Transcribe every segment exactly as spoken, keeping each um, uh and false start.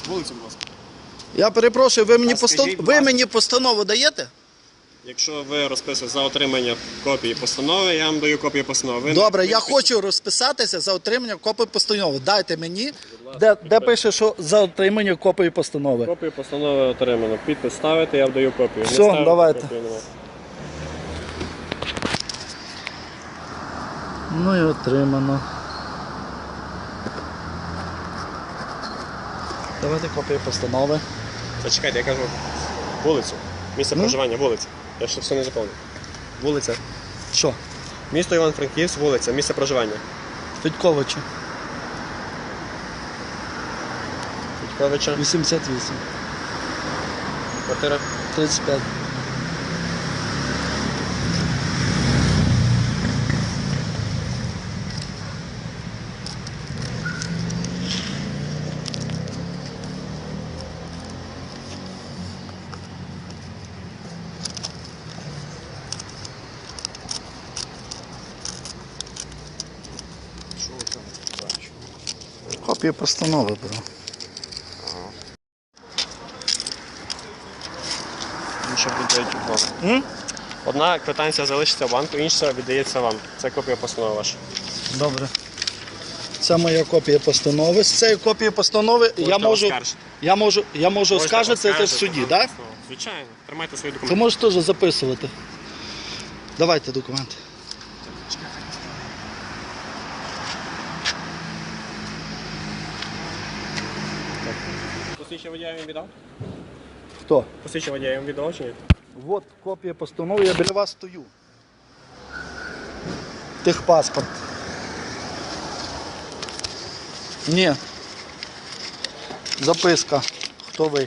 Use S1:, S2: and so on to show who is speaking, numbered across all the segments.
S1: Вулицю, будь ласка.
S2: Я перепрошую, ви мені, постан...
S1: скажіть,
S2: ви мені постанову даєте?
S1: Якщо ви розписуєте за отримання копії постанови, я вам даю копію постанови. Ви
S2: Добре,
S1: не...
S2: я хочу розписатися за отримання копії постанови. Дайте мені, де, де пише, що за отримання копії постанови.
S1: Копію постанови отримано. Підпис ставите, я вам даю копію.
S2: Все,
S1: Не ставите,
S2: давайте.
S1: копію немає.
S2: Ну і отримано. Давайте копію постанови.
S1: Зачекайте, я кажу вулицю. Місце
S2: Ну?
S1: проживання, вулиця. Я ще все не заповнив. Вулиця.
S2: Що?
S1: Місто Івано-Франківськ, вулиця, місце проживання.
S2: Федьковича.
S1: Федьковича.
S2: вісімдесят вісім.
S1: Квартира.
S2: тридцять п'ять.
S1: Що ви там бачите?
S2: Копію постанови беру.
S1: Інша віддають у банк. Одна квитанція залишиться в банку, інша віддається вам. Це копія постанови ваша.
S2: Добре. Це моя копія постанови. З цієї копії постанови я можу,
S1: оскаржити.
S2: я можу, я можу
S1: Можете
S2: оскаржити це в
S1: оскаржити
S2: суді,
S1: вам
S2: так?
S1: постанову. Звичайно. Тримайте свої
S2: Ви
S1: документи.
S2: можете теж записувати. Давайте документи.
S1: Посвідчення водія я вам віддав?
S2: Хто?
S1: Посвідчення водія я вам віддав чи ні?
S2: От копія постанови, я біля вас стою. Техпаспорт. Ні. Записка. Хто ви?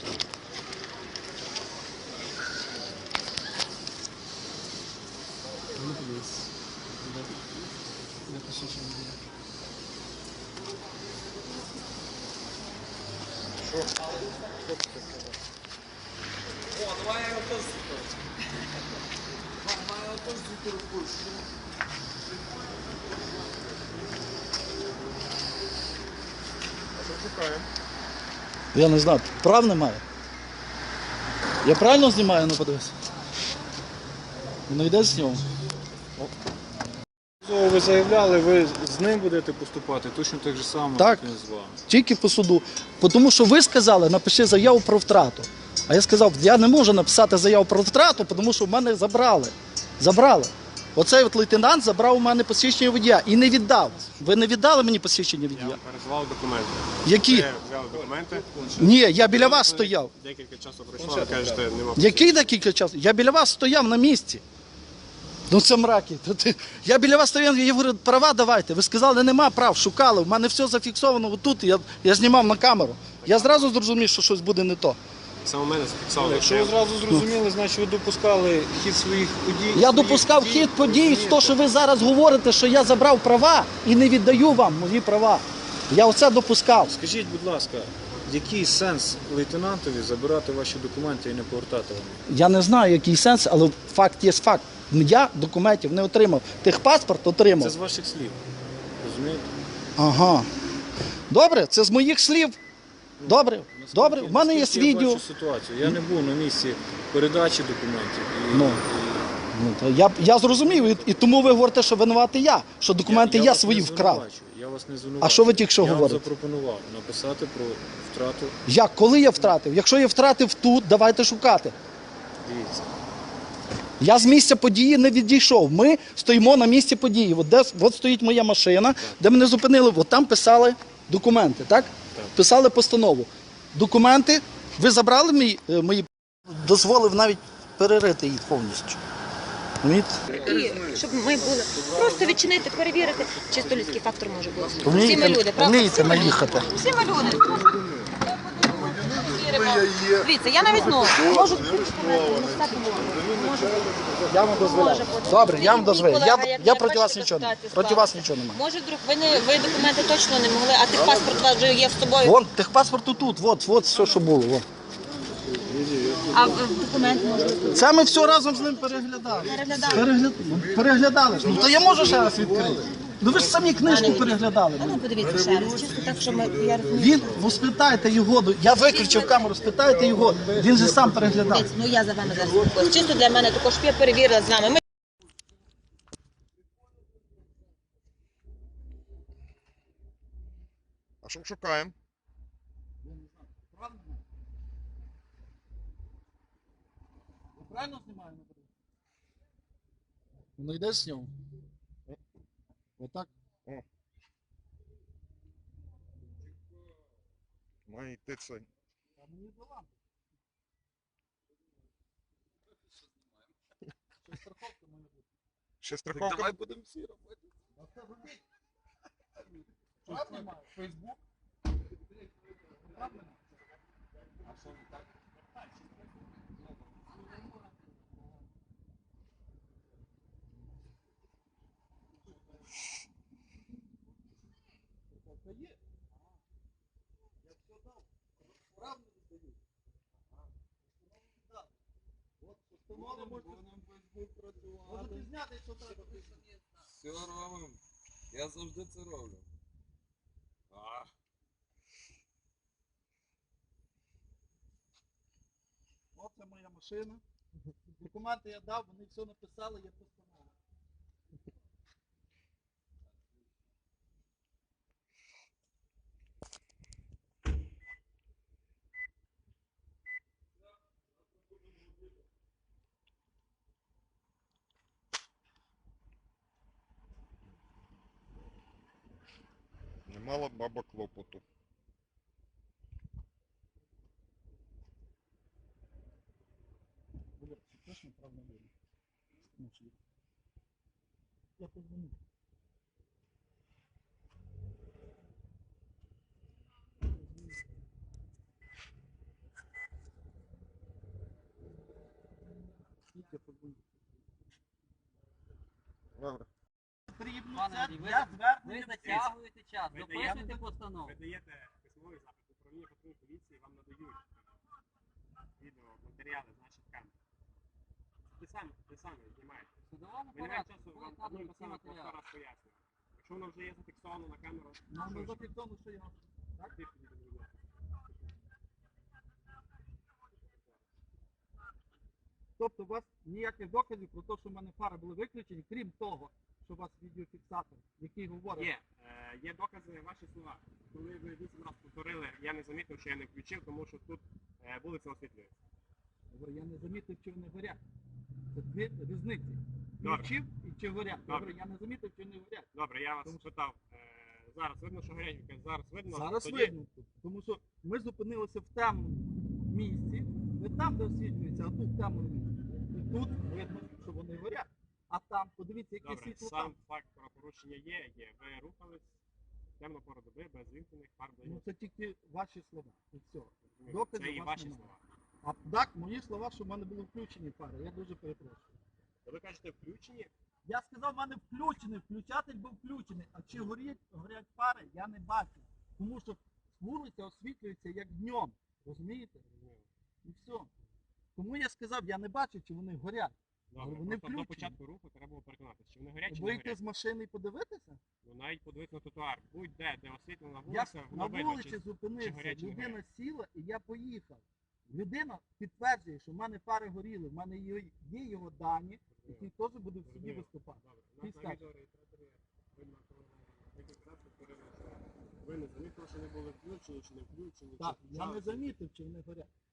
S2: Я не знаю, прав немає. Я правильно знімаю, ну подивись. Воно йде з нього.
S3: Ви заявляли, ви з ним будете поступати точно так же само,
S2: Так.
S3: як і з вами.
S2: Тільки по суду. Тому що ви сказали, напиши заяву про втрату. А я сказав, я не можу написати заяву про втрату, тому що в мене забрали. Забрали. Оцей от лейтенант забрав у мене посвідчення водія і не віддав. Ви не віддали мені посвідчення
S1: Я
S2: водія?
S1: вам перезвав документи.
S2: Які?
S1: Ви взяли документи.
S2: Ні, я біля вас стояв.
S1: Декілька часу пройшло, ви кажете, нема.
S2: Який декілька часу? Я біля вас стояв на місці. Ну це мраки. Я біля вас стояв, я говорю, права давайте. Ви сказали, нема прав, шукали. У мене все зафіксовано отут, я, я знімав на камеру. Я зразу зрозумів, що щось буде не то.
S1: Саме мене зафіксовано.
S3: Якщо ви зразу зрозуміли, значить ви допускали хід своїх подій.
S2: Я
S3: своїх
S2: допускав
S3: дій,
S2: хід подій,
S3: розумієте?
S2: то, що ви зараз говорите, що я забрав права і не віддаю вам мої права. Я оце допускав.
S3: Скажіть, будь ласка, який сенс лейтенантові забирати ваші документи і не повертати вам?
S2: Я не знаю, який сенс, але факт є факт. Я документів не отримав. Техпаспорт отримав.
S3: Це з ваших слів. Розумієте?
S2: Ага. Добре, це з моїх слів. Добре, добре. В мене є
S3: Наскільки я
S2: відео.
S3: бачу ситуацію. Я не був на місці передачі документів. І,
S2: Ну.
S3: і
S2: Ну, то я, я зрозумів, і, і тому ви говорите, що винуватий я, що документи я,
S3: вас
S2: свої
S3: не
S2: вкрав.
S3: звинувачую, Я вас не звинувачую.
S2: А що ви тільки що
S3: я
S2: говорите?
S3: Я вам запропонував написати про втрату.
S2: Як? Коли я втратив? Якщо я втратив тут, давайте шукати.
S3: Дивіться.
S2: Я з місця події не відійшов. Ми стоїмо на місці події. От, де, от стоїть моя машина, де мене зупинили. От там писали документи, так?
S3: Так.
S2: Писали постанову. Документи, ви забрали мої, е, мої, дозволив навіть перерити їх повністю. Розумієте?
S4: І щоб ми були просто відчинити, перевірити, чисто людський фактор може бути. Всі
S2: Вмієте,
S4: ми люди, правда?
S2: вмієте
S4: Всі ми люди.
S2: наїхати.
S4: Всі ми люди. Дивіться, я навіть ну, можу
S2: Я вам дозволяю. Добре, я вам дозволяю. Я, я проти вас нічого не проти вас нічого немає.
S4: Може, друг, ви не ви документи точно не могли, а техпаспорт у вас вже є з собою.
S2: Вон, техпаспорт тут, от, от все, що було. От.
S4: А документ може
S2: Це ми все разом з ним переглядали.
S4: переглядати.
S2: Перегля... ну, Переглядали ж. Ну то я можу ще раз відкрити. Ну ви ж самі книжку переглядали.
S4: А ну
S2: мені.
S4: подивіться ще раз, чисто так, що ми, я розумію.
S2: Він, ну спитайте його, ну, я виключив камеру, спитайте його, він же сам переглядав.
S4: Дивіться, ну я за вами зараз спілкуюсь. Чисто для мене також, щоб я перевірила з вами. Ми
S5: А що шукаємо?
S2: Правильно знімаю? Ну йде з нього. Отак.
S5: Має йти це. Ще страховка. Давай будемо всі робити.
S2: Фейсбук. Можете зняти, що треба.
S6: Все робимо. Я завжди це роблю. А.
S2: Оце моя машина. Документи я дав, вони все написали, я постановив.
S5: Немало баба клопоту.
S2: Було точно правда вірно. Я позвоню. Я позвоню.
S5: Добре.
S2: Потрібно
S7: Пане
S2: це
S7: Андрій, ви-
S2: для
S7: Ви
S2: звернення.
S7: затягуєте час,
S1: Ви
S7: записуйте
S1: даєте-
S7: постанову.
S1: Ви даєте письмовий запит управління патрульної поліції, вам надають відео, матеріали з наших камер. Ти сам, ти сам знімаєте.
S7: В судовому
S1: Ви не маєте
S7: порядку
S1: часу, вам
S7: будуть
S1: одну
S7: надані
S1: і
S7: всі
S1: те саме по сто
S7: матеріали.
S1: раз пояснювати. Якщо воно вже є зафіксовано на камеру,
S2: Нам
S1: що
S2: не
S1: ж?
S2: зафіксовано, що я.
S1: Так, ти тоді доведеш.
S2: Тобто у вас ніяких доказів про те, що в мене фари були виключені, крім того, що у вас відеофіксатор, який говорить.
S1: Є, е, є докази, ваші слова. Коли ви вісім разів повторили, я не замітив, що я не включив, тому що тут е, вулиця освітлюється.
S2: Говорю, я не замітив, чи вони горять. Це дві різниці.
S1: Добре.
S2: Включив і чи горять.
S1: Добре.
S2: Добре, я не замітив, чи вони горять.
S1: Добре, я вас
S2: Тому що-
S1: спитав. Е, зараз видно, що горять, ви кажете, зараз видно.
S2: Зараз
S1: тоді...
S2: видно тут. Тому що ми зупинилися в темному місці, не там, де освітлюється, а тут в темному місці. І тут видно, що вони горять. А там, подивіться, яке
S1: Добре,
S2: світло
S1: сам
S2: там.
S1: факт правопорушення є, є. Ви рухались в темну пору доби без вімкнених фар
S2: Ну
S1: ближніх.
S2: це тільки ваші слова. І все.
S1: Це
S2: доказів
S1: і
S2: у вас
S1: ваші
S2: немає.
S1: слова.
S2: А так, мої слова, що в мене були включені фари. Я дуже перепрошую.
S1: То ви кажете, включені?
S2: Я сказав, в мене включений, включатель був включений. А чи горять, горять фари, я не бачу. Тому що вулиця освітлюється як днем. Розумієте? І все. Тому я сказав, я не бачу, чи вони горять.
S1: Добре,
S2: вони
S1: просто до
S2: включені.
S1: початку руху треба було переконатися, чи вони горять, чи не
S2: Вийти
S1: горять.
S2: з машини і подивитися?
S1: Ну навіть подивитися на тротуар. Будь-де, де освітлена
S2: Я
S1: вулиця,
S2: на
S1: воно видно,
S2: вулиці
S1: чи...
S2: зупинився,
S1: горять, чи не
S2: людина
S1: горять.
S2: сіла і я поїхав. Людина підтверджує, що в мене фари горіли, в мене є, є його дані, які теж буде в суді
S1: Зрозуміло.
S2: виступати.
S1: Добре, у
S2: Ти
S1: нас на
S2: скажеш.
S1: відеореєстраторі видно, коли ви декілька разів повторили, що ви не замітили, що не були включені, чи не включені.
S2: Так,
S1: чи
S2: я не
S1: час.
S2: замітив, чи вони горять.